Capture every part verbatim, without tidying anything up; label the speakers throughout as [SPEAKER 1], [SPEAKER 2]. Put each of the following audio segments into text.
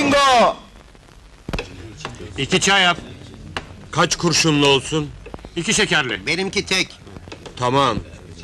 [SPEAKER 1] Ringo!
[SPEAKER 2] İki çay yap.
[SPEAKER 3] Kaç kurşunlu olsun?
[SPEAKER 2] İki şekerli.
[SPEAKER 4] Benimki tek.
[SPEAKER 3] Tamam.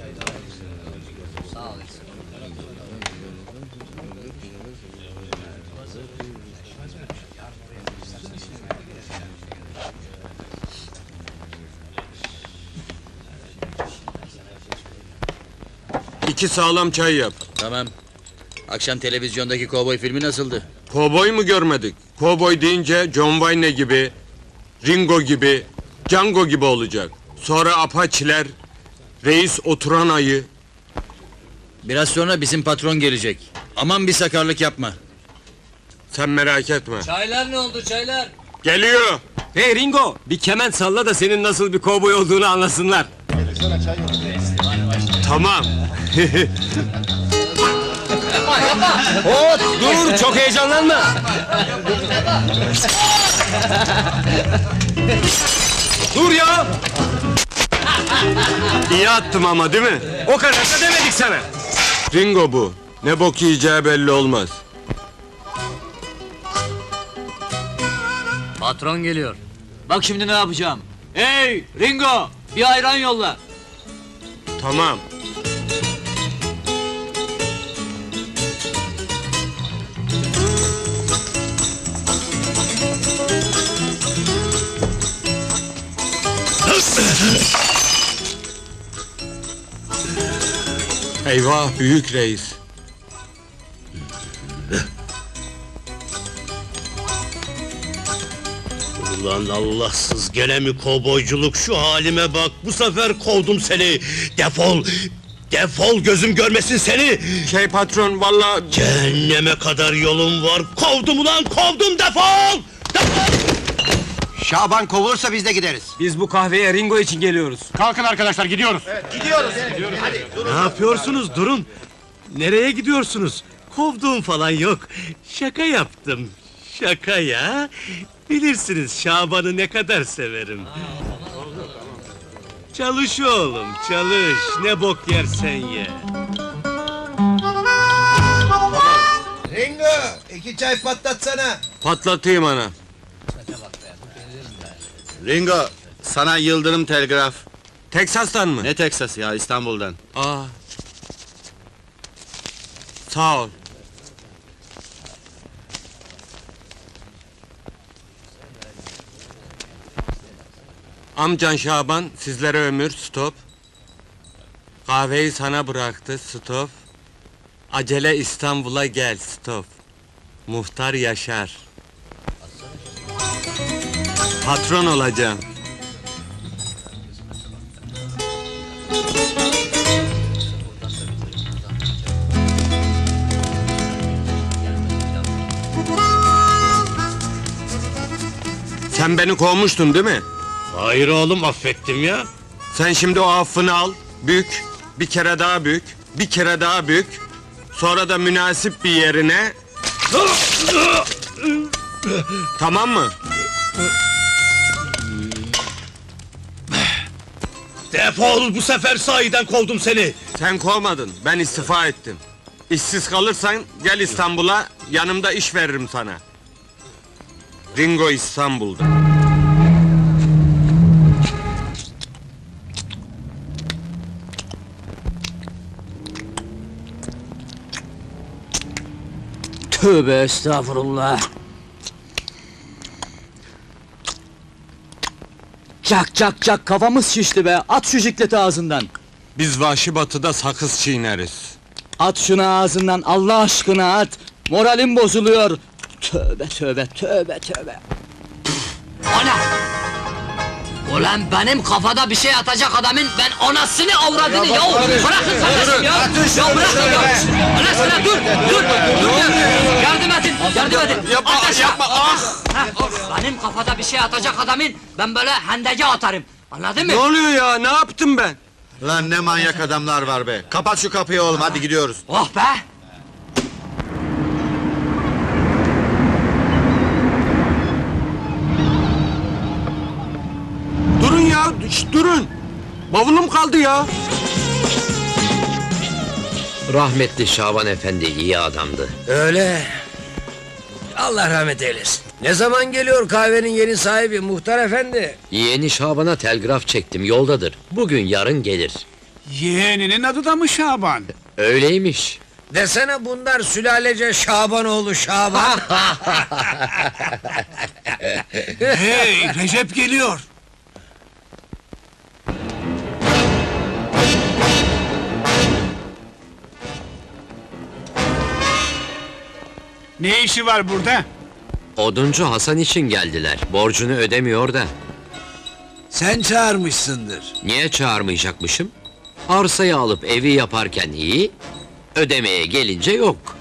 [SPEAKER 3] İki sağlam çay yap.
[SPEAKER 5] Tamam. Akşam televizyondaki kovboy filmi nasıldı?
[SPEAKER 3] Kovboy mu görmedik? Kovboy deyince John Wayne gibi, Ringo gibi, Django gibi olacak. Sonra Apache'ler, reis oturan ayı.
[SPEAKER 5] Biraz sonra bizim patron gelecek. Aman bir sakarlık yapma.
[SPEAKER 3] Sen merak etme.
[SPEAKER 5] Çaylar ne oldu çaylar?
[SPEAKER 3] Geliyor.
[SPEAKER 6] Hey Ringo, bir kemen salla da senin nasıl bir kovboy olduğunu anlasınlar.
[SPEAKER 3] Tamam.
[SPEAKER 6] Hop, dur, çok heyecanlanma. Dur ya,
[SPEAKER 3] İyi attım ama değil mi?
[SPEAKER 6] o kadar da demedik sana.
[SPEAKER 3] Ringo bu. Ne bok yiyeceği belli olmaz.
[SPEAKER 5] Patron geliyor. Bak şimdi ne yapacağım. Hey Ringo, bir ayran yolla.
[SPEAKER 3] Tamam. Eyvah, büyük reis.
[SPEAKER 7] Ulan Allahsız, gene mi kovboyculuk? Şu halime bak, bu sefer kovdum seni! Defol! Defol, gözüm görmesin seni!
[SPEAKER 3] Şey patron, vallahi
[SPEAKER 7] Cehenneme kadar yolum var, kovdum ulan, kovdum, defol! Defol!
[SPEAKER 4] Şaban kovulursa biz de gideriz.
[SPEAKER 6] Biz bu kahveye Ringo için geliyoruz.
[SPEAKER 2] Kalkın arkadaşlar, gidiyoruz.
[SPEAKER 7] Ne yapıyorsunuz, durun! Nereye gidiyorsunuz? Kovduğum falan yok, şaka yaptım, şaka ya! Bilirsiniz Şaban'ı ne kadar severim. Çalış oğlum, çalış, ne bok yersen ye!
[SPEAKER 4] Ringo, iki çay patlatsana.
[SPEAKER 3] patlatayım ana.
[SPEAKER 1] Ringo, sana Yıldırım telgraf.
[SPEAKER 3] Teksas'tan mı?
[SPEAKER 1] Ne Teksas ya, İstanbul'dan.
[SPEAKER 3] Aa. Sağ ol. Amcan Şaban sizlere ömür, stop. Kahveyi sana bıraktı, stop. Acele İstanbul'a gel, stop. Muhtar Yaşar. Patron olacağım. Sen beni kovmuştun değil mi?
[SPEAKER 7] Hayır oğlum, affettim ya!
[SPEAKER 3] Sen şimdi o affını al, bük, bir kere daha bük, bir kere daha bük, sonra da münasip bir yerine... Tamam mı?
[SPEAKER 7] Defol, bu sefer sahiden kovdum seni!
[SPEAKER 3] Sen kovmadın, ben istifa ettim. İşsiz kalırsan gel İstanbul'a, yanımda iş veririm sana. Ringo İstanbul'da.
[SPEAKER 5] Tövbe estağfurullah. Çak çak çak, kafamız şişti be, at şu jikleti ağzından.
[SPEAKER 3] Biz vahşi batıda sakız çiğneriz.
[SPEAKER 5] At şunu ağzından, Allah aşkına at! Moralim bozuluyor! Tövbe tövbe tövbe tövbe!
[SPEAKER 8] O ne? Ulan benim kafada bir şey atacak adamın ben anasını avradını ya! Bırakın kardeşim ya! Ya bırakın ya! Allah aşkına dur! Dur! Dur! Yardım edin! Yardım edin!
[SPEAKER 3] Yapma,
[SPEAKER 8] Ateş
[SPEAKER 3] yapma, ah!
[SPEAKER 8] Ha, benim kafada bir şey atacak adamın ben böyle hendege atarım! Anladın mı?
[SPEAKER 3] Ne oluyor ya, ne yaptım ben?
[SPEAKER 1] Lan ne manyak adamlar var be. Kapat şu kapıyı oğlum, hadi gidiyoruz.
[SPEAKER 8] Oh be!
[SPEAKER 3] Durun ya, şşt, durun! Bavulum kaldı ya!
[SPEAKER 4] Rahmetli Şaban Efendi iyi adamdı.
[SPEAKER 5] Öyle!
[SPEAKER 9] Allah rahmet eylesin. Ne zaman geliyor kahvenin yeni sahibi muhtar efendi?
[SPEAKER 8] Yeğeni Şaban'a telgraf çektim, yoldadır. Bugün yarın gelir.
[SPEAKER 2] Yeğeninin adı da mı Şaban?
[SPEAKER 8] Öyleymiş.
[SPEAKER 9] Desene bunlar sülalece Şabanoğlu Şaban.
[SPEAKER 2] Hey, Recep geliyor. Ne işi var burada?
[SPEAKER 8] Oduncu Hasan için geldiler. Borcunu ödemiyor da.
[SPEAKER 9] Sen çağırmışsındır.
[SPEAKER 8] Niye çağırmayacakmışım? Arsayı alıp evi yaparken iyi, ödemeye gelince yok.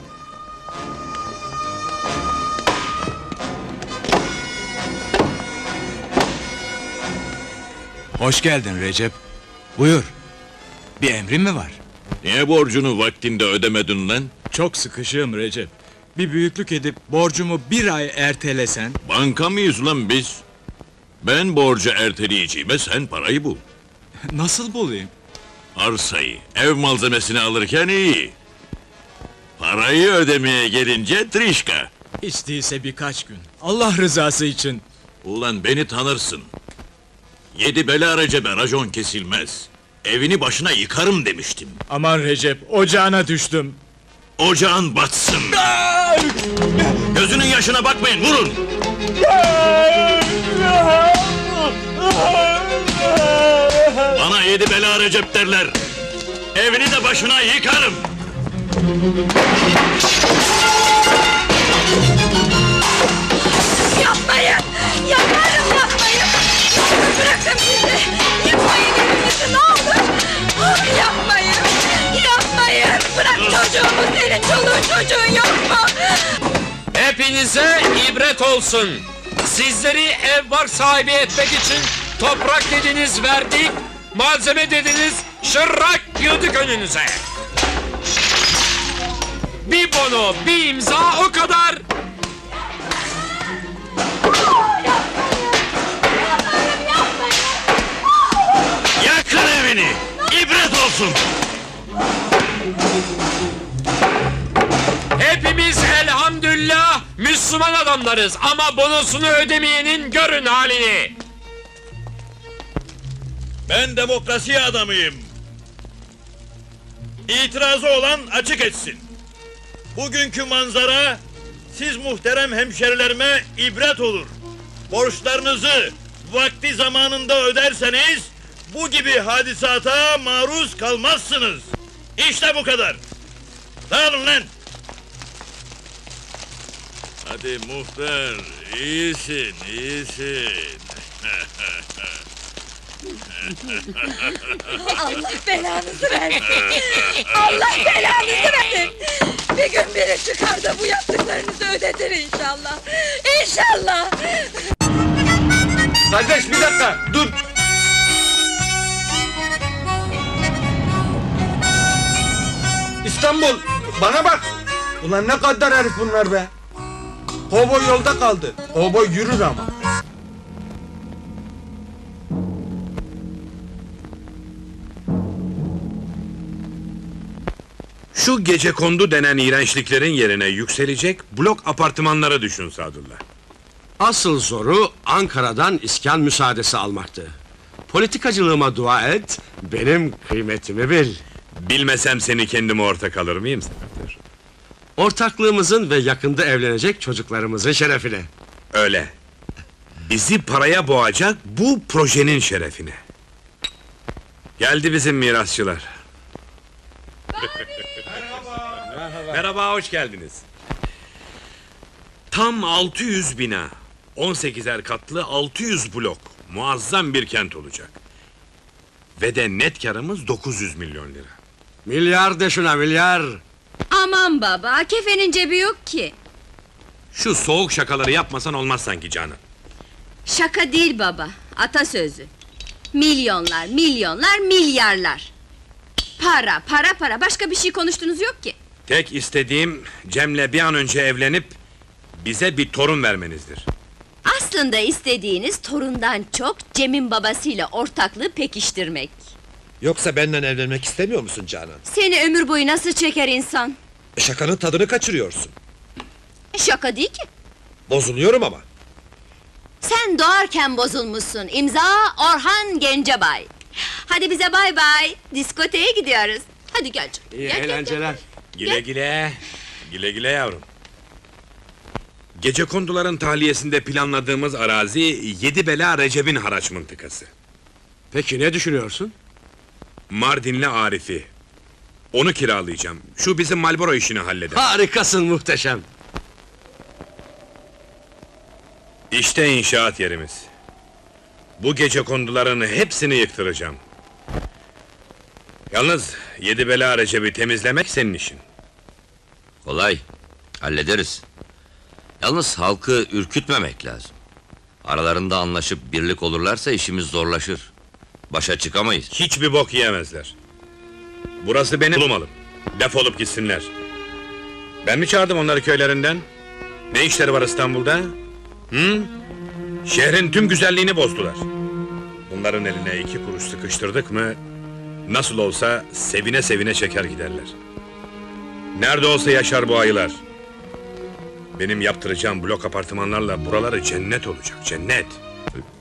[SPEAKER 10] Hoş geldin Recep. Buyur. Bir emrin mi var?
[SPEAKER 7] Niye borcunu vaktinde ödemedin lan?
[SPEAKER 10] Çok sıkışığım Recep. Bir büyüklük edip borcumu bir ay ertelesen...
[SPEAKER 7] Banka mıyız lan biz? Ben borcu erteleyeceğime sen parayı bul.
[SPEAKER 10] Nasıl bulayım?
[SPEAKER 7] Arsayı, ev malzemesini alırken iyi. Parayı ödemeye gelince trişka.
[SPEAKER 10] Hiç değilse birkaç gün. Allah rızası için.
[SPEAKER 7] Ulan beni tanırsın. Yedi bela Recep'e racon kesilmez. Evini başına yıkarım demiştim.
[SPEAKER 10] Aman Recep, ocağına düştüm.
[SPEAKER 7] Ocağın batsın. Gözünün yaşına bakmayın, vurun! Bana yedi bela Recep derler. Evini de başına yıkarım.
[SPEAKER 11] Yapmayın! Yakarım yapmayın! Bırakın bizi! Yıkmayın evimizi ne olur! Ah, yapmayın! Yapmayın! Bırak çocuğumu, senin çoluğun çocuğun yok mu?
[SPEAKER 6] Hepinize ibret olsun. Sizleri ev var sahibi etmek için toprak dediniz verdik, malzeme dediniz şırrak yıldık önünüze. Bir bono, bir imza o kadar.
[SPEAKER 7] Yakın evini! İbret olsun!
[SPEAKER 6] Hepimiz elhamdülillah Müslüman adamlarız ama bonosunu ödemeyenin görün halini.
[SPEAKER 7] Ben demokrasi adamıyım. İtirazı olan açık etsin. Bugünkü manzara siz muhterem hemşerilerime ibret olur. Borçlarınızı vakti zamanında öderseniz bu gibi hadisata maruz kalmazsınız. İşte bu kadar. Dağılın lan. Hadi muhtar, iyisin, iyisin.
[SPEAKER 11] Allah belanızı versin! Allah belanızı versin! Bir gün biri çıkar da bu yaptıklarınızı ödetir inşallah! İnşallah!
[SPEAKER 3] Kardeş bir dakika, dur! İstanbul, bana bak! Ulan ne kadar herif bunlar be! Kovboy yolda kaldı, kovboy yürür ama!
[SPEAKER 12] Şu gecekondu denen iğrençliklerin yerine yükselecek blok apartmanlara düşün Sadullah.
[SPEAKER 13] Asıl zoru Ankara'dan iskan müsaadesi almaktı. Politikacılığıma dua et, benim kıymetimi bil.
[SPEAKER 12] Bilmesem seni kendime ortak alır mıyım Sefer?
[SPEAKER 13] Ortaklığımızın ve yakında evlenecek çocuklarımızın şerefine.
[SPEAKER 12] Öyle. Bizi paraya boğacak bu projenin şerefine. Geldi bizim mirasçılar. Merhaba. Merhaba, hoş geldiniz. Tam altı yüz bina, on sekizer katlı altı yüz blok, muazzam bir kent olacak. Ve de net karımız dokuz yüz milyon lira.
[SPEAKER 13] Milyar de şuna milyar!
[SPEAKER 11] Aman baba, kefenin cebi yok ki!
[SPEAKER 12] Şu soğuk şakaları yapmasan olmaz sanki canım.
[SPEAKER 11] Şaka değil baba, atasözü. Milyonlar, milyonlar, milyarlar! Para, para, para, başka bir şey konuştunuz yok ki!
[SPEAKER 12] Tek istediğim Cem'le bir an önce evlenip bize bir torun vermenizdir.
[SPEAKER 11] Aslında istediğiniz torundan çok Cem'in babasıyla ortaklığı pekiştirmek.
[SPEAKER 4] Yoksa benden evlenmek istemiyor musun Canan?
[SPEAKER 11] Seni ömür boyu nasıl çeker insan?
[SPEAKER 4] Şakanın tadını kaçırıyorsun.
[SPEAKER 11] Şaka değil ki.
[SPEAKER 4] Bozuluyorum ama.
[SPEAKER 11] Sen doğarken bozulmuşsun. İmza Orhan Gencebay. Hadi bize bay bay. Diskoteye gidiyoruz. Hadi gel canım.
[SPEAKER 13] İyi
[SPEAKER 11] Gel, gel, gel.
[SPEAKER 13] eğlenceler.
[SPEAKER 12] Güle güle. Güle güle yavrum. Gecekonduların tahliyesinde planladığımız arazi Yedibela Recep'in haraç mıntıkası.
[SPEAKER 13] Peki ne düşünüyorsun?
[SPEAKER 12] Mardinli Arif'i. Onu kiralayacağım. Şu bizim Marlboro işini halleder.
[SPEAKER 13] Harikasın, muhteşem.
[SPEAKER 12] İşte inşaat yerimiz. Bu gecekonduların hepsini yıktıracağım. Yalnız Yedibela Recep'i temizlemek senin işin.
[SPEAKER 14] Kolay. Hallederiz. Yalnız halkı ürkütmemek lazım. Aralarında anlaşıp birlik olurlarsa işimiz zorlaşır. Başa çıkamayız.
[SPEAKER 12] Hiçbir bok yiyemezler. Burası benim malım. Defolup gitsinler. Ben mi çağırdım onları köylerinden? Ne işleri var İstanbul'da? Hı? Şehrin tüm güzelliğini bozdular. Bunların eline iki kuruş sıkıştırdık mı... ...nasıl olsa sevine sevine çeker giderler. Nerede olsa yaşar bu ayılar. Benim yaptıracağım blok apartmanlarla buraları cennet olacak, cennet.